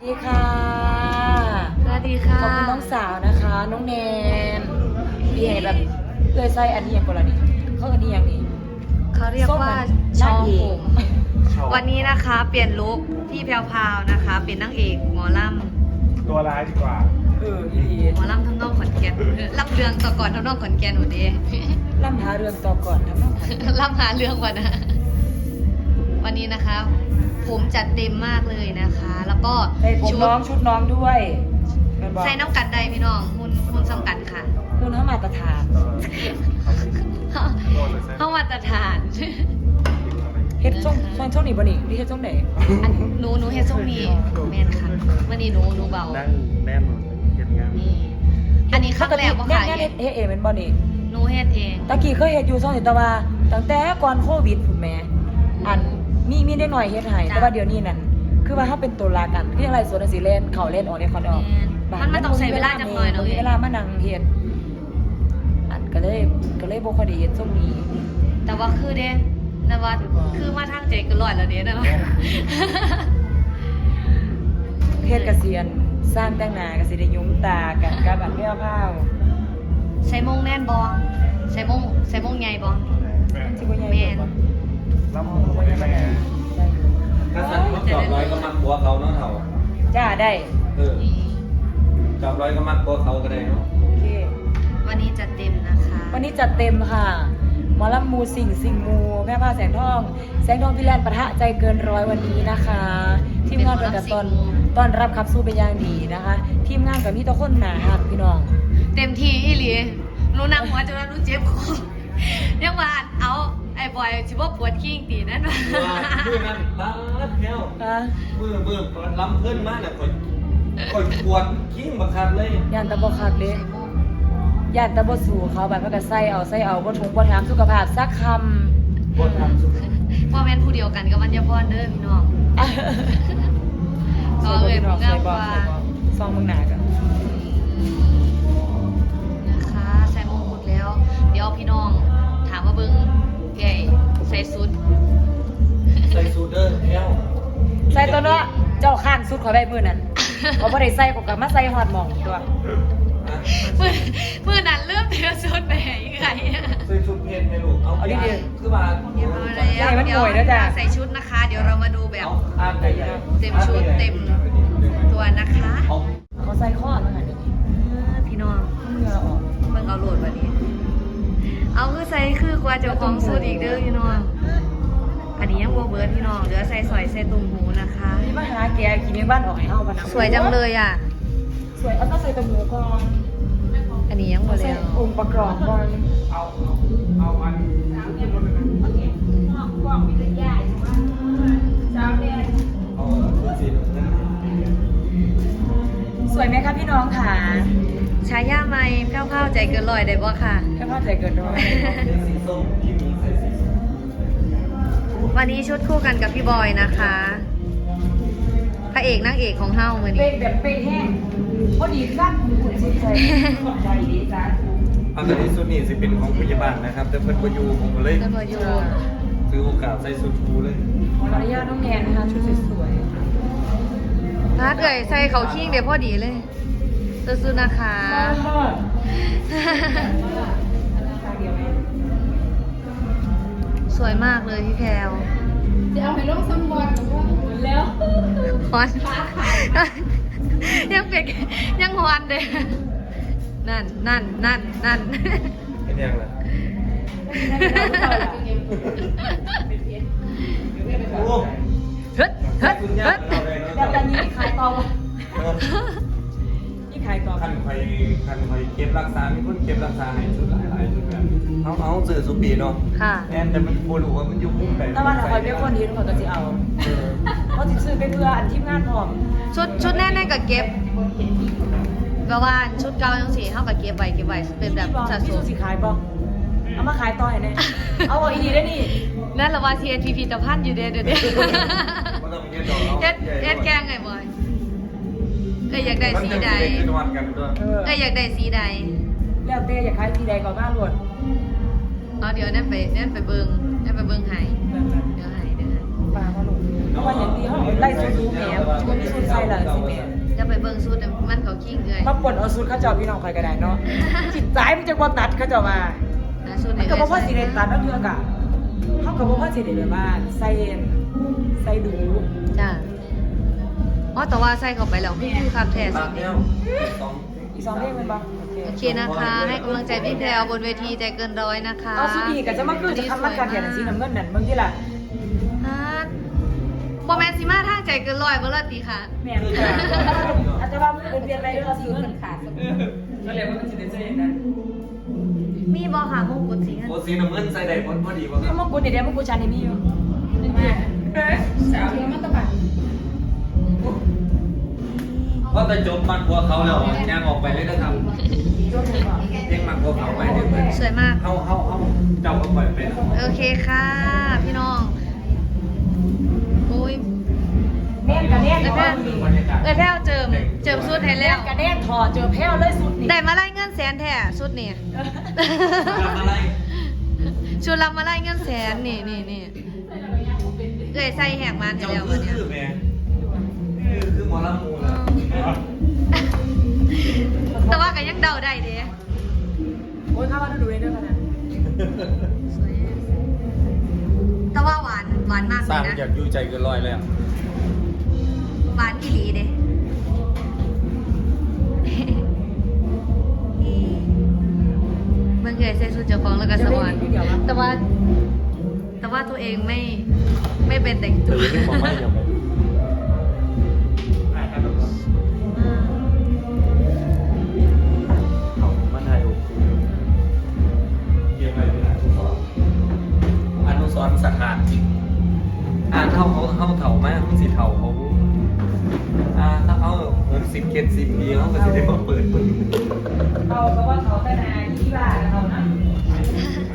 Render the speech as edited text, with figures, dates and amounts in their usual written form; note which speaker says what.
Speaker 1: ดีค่ะ
Speaker 2: สวัสดีค่ะ
Speaker 1: ขอบคุณน้องสาวนะคะน้องแนนพี่ให้แบบเลื่อยไส้อันนี้อย่างกรณีเขาอันนี้อย่างนี้
Speaker 2: เขาเรียกว่าชอผมวันนี้นะคะเปลี่ยนลุคพี่แพรวๆนะคะ เป็นนางเอกหมอลำ
Speaker 3: ตัวร้ายดีกว่า
Speaker 1: อี
Speaker 2: หมอลำทำนองขอนแก่นรับเรื่องต่อก่อนทำนองขอนแก่นหนูดี
Speaker 1: ล่ำหาเรื่องต่อก่อนนะน้อง
Speaker 2: รับหาเรื่องก่อนนะวันนี้นะคะ ผมจัดเต็มมากเลยนะคะ แล้วก็
Speaker 1: ใส่ผมน้องชุดน้องด้วยเป็นบอก
Speaker 2: ใส่น้ำกัดใดพี่น้องหุ่นสำกัดค่ะ
Speaker 1: คุณเขามาตรฐาน
Speaker 2: เข้ามาตรฐาน
Speaker 1: เฮ็ดช่วงนี้บ่นี่พี่เฮ็ดช่วงไหน
Speaker 2: อันหนูเฮ็ดส้มนี่แมนค่ะวันนี้หนูเบา
Speaker 3: นั่งแน่นเห็นงาน
Speaker 2: นี่อันนี้ครั้งแรกว่าค่ะ
Speaker 1: เฮ็ดเองเป็นบ่นี่
Speaker 2: หนูเฮ็ดเอง
Speaker 1: ตะกี้เคยเฮ็ดอยู่ช่วงนี้แต่ว่าตั้งแต่ก่อนโควิดพุ่นแม่อันมีได้หน่อยเฮ็ดให้แต่ว่าเดี๋ยวนี้นั่นคือว่าถ้าเป็นตัวลากันคืออะไรสวนสิเล่นเขาเล่นออกได้เขาได้ออก
Speaker 2: มันต้องใช้เวลาจังหน่อยเนาะ
Speaker 1: มีเวลามานั่งเฮ็ดอันก็เลยบ่ค่อยได้เฮ็ดช่วงนี้
Speaker 2: แต่ว่าคือเด้แต่ว่าคือมาทางใจก็ร้อยแล้วเด้นะ
Speaker 1: เฮ็ดเกษียณสร้างแต่งหน้าก็สิได้ยุ้มตากันกับอันแก้วข้าว
Speaker 2: ใส่มงแน่นบองใส่มงใหญ่บอง
Speaker 1: สิบ่ใหญ่
Speaker 2: แม่น
Speaker 3: รับมือไว้ยังไง
Speaker 4: ถ้าสั่นเขาจอบร้อยก็มักบัวเขาเนาะเถ่า
Speaker 1: จ้าได้
Speaker 4: จอบร้อยก็มักบัวเขาก็ได้เนาะ
Speaker 1: โอเค
Speaker 2: วันนี้จัดเต็มนะคะ
Speaker 1: วันนี้จัดเต็มค่ะหมอลำมูสิ่งมูแม่ผ้าแสงทองพี่แลนด์ปะทะใจเกินร้อยวันนี้นะคะทีมงานเป็นกับตอนรับขับสู้เป็นอย่างดีนะคะ ทีมงานกับมีตัวคนหนาหักพี่น้อง
Speaker 2: เต็มที่อีหลีหนูนั่งหัวจนว่าหนูเจ็บคอยังว่าเอาไอ้บอยสิบ่ปวดขี้ตีนั่นว่า
Speaker 4: มือนั่นบ้าแพ้ว
Speaker 1: อ่ะ
Speaker 4: มือล้ำขึ้นมากน่ะคนปวดกิ้งบักคับเลย
Speaker 1: ย่านตะบคักเด้ย่านตะบสู่เขาแบบว่าก็ใส่เอาบ่ทุกบ่ถามสุขภาพสักค
Speaker 4: ปวดทำสุด
Speaker 2: พ่อแม่นผู้เดียวกันกับมันยาพรเด้อพี่น้อง
Speaker 1: ำ
Speaker 2: ก็เลยผู้งามกว่า
Speaker 1: ซองมึงหนากัน
Speaker 2: นะคะใส่มงกุฎแล้ว เดี๋ยวพี่น้องถามว่าเบิ้งใหญ่ใส่สุด
Speaker 4: ใส่สูทเดอร์แพ้ว
Speaker 1: ใส่ตัวเนาะเจ้าข้างสุดขอใบมือนั่นเขาบ่ได้ใส่ก็กลับมาใส่ฮอดหม่องตัว
Speaker 2: มือนั้นเริ่มเทสุดไปอีกไง
Speaker 4: ใส่สูทเพนให้ลูกเอาคือว่า
Speaker 2: เดี๋ยวใส่ชุดนะคะ เดี๋ยวเรามาดูแบบ
Speaker 4: อ่านไปใหญ่
Speaker 2: เต็มชุดเต็มตัวนะคะ
Speaker 1: เขาใส่ข้อแล้วค่ะเดี๋ยวนี้
Speaker 2: พี่น้อง
Speaker 1: เหงื่อออก
Speaker 2: เบิ่งเอาโหลดวันนี้ เอาคือใส่คือกว่าเจ้าของสุดอีกเด้อพี่น้องอันนี้ยังบัวเบิร์ดพี่น้องเหลือใส่สอยใส่ตุ่มหูนะคะ
Speaker 1: นี่มาหาแกกินในบ้านออกให้เฮาปะนะ
Speaker 2: สวยจังเลยอ่ะ
Speaker 1: สวยเอาต้องใส่ตะหมูก่อน
Speaker 2: อันนี้ยังบัว
Speaker 1: ใส่
Speaker 2: แล้ว
Speaker 1: องค์ประกอบก่อน
Speaker 3: เอาอัน
Speaker 4: เอาชุดสีน้ำเงิน
Speaker 1: สวยไหมคะพี่น้องค่ะ
Speaker 2: ชายาไม้แพ้วๆใจเกินร้อยได้บ่ค่ะ
Speaker 1: แค่พอใจเกินร้อย
Speaker 4: ใส่สีส้มที่มีใส่สีส้ม
Speaker 2: วันนี้ชุดคู่กันกับพี่บอยนะคะพระเอกนางเอกของเฮามือ
Speaker 1: เป็
Speaker 2: นี้
Speaker 1: นแบบเป็นแห้งพอดีสั้นหุ่นสุดใจใจดีจ้า
Speaker 4: อันนี้สุดนี่สิเป็นของพยาบาลนะครับแต่เพิ่นบ่อยู่ผมก็เลย
Speaker 2: แล้วก็อยู่
Speaker 4: ซื้อโอกาสใส่สูทฟูเลย
Speaker 1: ขออนุญาตน้องแนนนะคะชุดสวย
Speaker 2: ถ้าเกิดใส่เขาคิงเดี๋ยวพอดีเลยซื้อๆนะคะ สวยมากเลยพี่แพรว
Speaker 5: จะเอาให้ลงสำรวจหรือว่า
Speaker 1: แล้ว
Speaker 2: ฮอนยังเป็กยังฮอนเด้นั่น
Speaker 4: เป็นยังไงโอ้
Speaker 2: เฮ็ด
Speaker 4: คุณยากเราเลยเนาะ
Speaker 1: แล้วตอนนี้ขายต่อนี่ขายต่อ
Speaker 4: คันไฟเก็บรักษามีคนเก็บรักษาให้ชุดหลายชุดแบบเอาซื้อสุปีเนาะ
Speaker 2: ค่ะ
Speaker 4: แอนแต่มันบ่รู้ว่ามันอยู่มุมใด
Speaker 1: แต่ว่าถ้าคอยเป็นคนดีเขาก็จะเอาเขาจะซื้อไปเพื่ออันทีมงานพร้อม
Speaker 2: ชุดแน่ๆกับเก็บแบบว่าชุดเก่าจังสีเท่ากับเก็บไว้เป็นแบบสะ
Speaker 1: พี่
Speaker 2: ส
Speaker 1: สุ
Speaker 2: ม
Speaker 1: สิขายป่ะเอามาขายต่อให้แน่เอาอีดีได้นี่
Speaker 2: นั่นแหละว่าเทียนพิพิธภัณฑ์อยู่เด้อเดี๋ยว
Speaker 4: บ่ต้องไปเฮ็ดดอกเนาะ
Speaker 2: เฮ็ดแกงไงบอยอยากได้สีใด
Speaker 4: มันจะเป็นวันกันด้วย
Speaker 2: อยากได้สีใด
Speaker 1: แล้วเต้อยากขายสีใดก่อนหน้าหลวด
Speaker 2: เอาเดี๋ยวนั่นไปเบิ่งให้เดี๋ยวให้
Speaker 1: ปลาเขาลงเพราะว่าอย่างที่เขาไล่สูตรรู้แหมมันมีสูตรใส่ละสิแหม
Speaker 2: จะไปเบิ่งสูตรมันเขาขี้เกย
Speaker 1: มาปนเอาสูตรข้าเจ้าพี่น้องคอยก็ได้เนาะจิตใจมันจะบ่ตัดข้าเจ้ามา
Speaker 2: สูตรไหน
Speaker 1: มันก็บ่พอสิได้ตัดเอาเทือกะเขาก็บ่พอสิได้แบบว่าใส่ดู
Speaker 2: จ้าอ๋อแต่ว่าใส่เข้าไปแล้วคือคักแท้
Speaker 4: ตา
Speaker 2: สุ
Speaker 4: ม
Speaker 2: ด
Speaker 4: แน
Speaker 2: นี้
Speaker 4: วสอง
Speaker 1: อีก2เพลงแมันบ่
Speaker 2: โอเคนะคะ ให้กำลังใจพี่แพรวบนเวทีใจเกินร้อยนะคะ
Speaker 1: เอาสุดอีกก็จะมาคือจะทำมันกันแข่งสีน้ำเงินนั่นบางทีล่ะ
Speaker 2: ฮะบอแมนซิมาทางใจเกินร้อยเมื่อไรตีค่ะ
Speaker 1: แม่นค่ะอาจจะว่าเป็นเรียนอะไรเราซื้อมันขาดก็เลยว่ามันสิได้ใส่นั้น
Speaker 2: มีบอหามงกุฎสี
Speaker 4: โอ้สีน้ำเงินใส่ได้พอดีป่ะค
Speaker 1: ถ้า
Speaker 4: รับ
Speaker 1: มงกุฎเดี๋ยวมงกุฎชันนี่มีอยู่
Speaker 5: สาวเทียมมันตะบัด
Speaker 4: เพราะแต่จบมันกลัวเขาแล้วย่างออกไปเลยนะครับ
Speaker 1: จบเลยบ่
Speaker 4: เรียกมันกลัวเขาไปเนี่ยเพื่อน
Speaker 2: สวยมาก
Speaker 4: เขาเจ้าก็ปล่อยไปนะ
Speaker 2: โอเคค่ะ พี่น้องโอ้ย
Speaker 1: แน่นกับแน่น
Speaker 2: เอ้ยแพ้เอ้ยแพ้วเจิมสุดให้แล้ว
Speaker 1: กับแน่นถอดเจอแพ้วเลยสุดนี่
Speaker 2: ได้มาไล่เงินแสนแท้สุดนี่
Speaker 4: ทำอะไร
Speaker 2: ชุดรับมาไล่เงินแสนนี่เอ้ยใส่แหกมันให้
Speaker 4: เจ้า
Speaker 2: แล้ว
Speaker 4: คื
Speaker 2: วั
Speaker 4: อน
Speaker 2: เนี้ย
Speaker 4: คือแม่คือหมอลำมูล
Speaker 2: แต่ว่าก็ยังเดาได้เด้
Speaker 1: โอ้ยข้าว่าดูเลยด้วยกันนะ
Speaker 2: สวยแต่ว่าหวานมาก
Speaker 4: ส
Speaker 2: เล
Speaker 4: ร้าง
Speaker 2: ยนะ
Speaker 4: อยากอยู่ใจเกินร้อยแล้ว
Speaker 2: หวานอีหลีเด้มันเคยใส่สูทเจ้าของแล้วก็สวรรค์แต่ว่าตัวเองไม่เป็นแต่งตัว
Speaker 4: เรื่องของไม่ยังไงเขามาถ่ายรูปเกี่ยวกับอนุสรณ์สถานจริงเท่าเขาเถ่ามากมันสิเถ่าเขาถ้าเขา60 70 ปีเขาก็จะได้มาเปิด
Speaker 1: เขาเพราะว่าเขาแต่นาที่บ้านเขานะ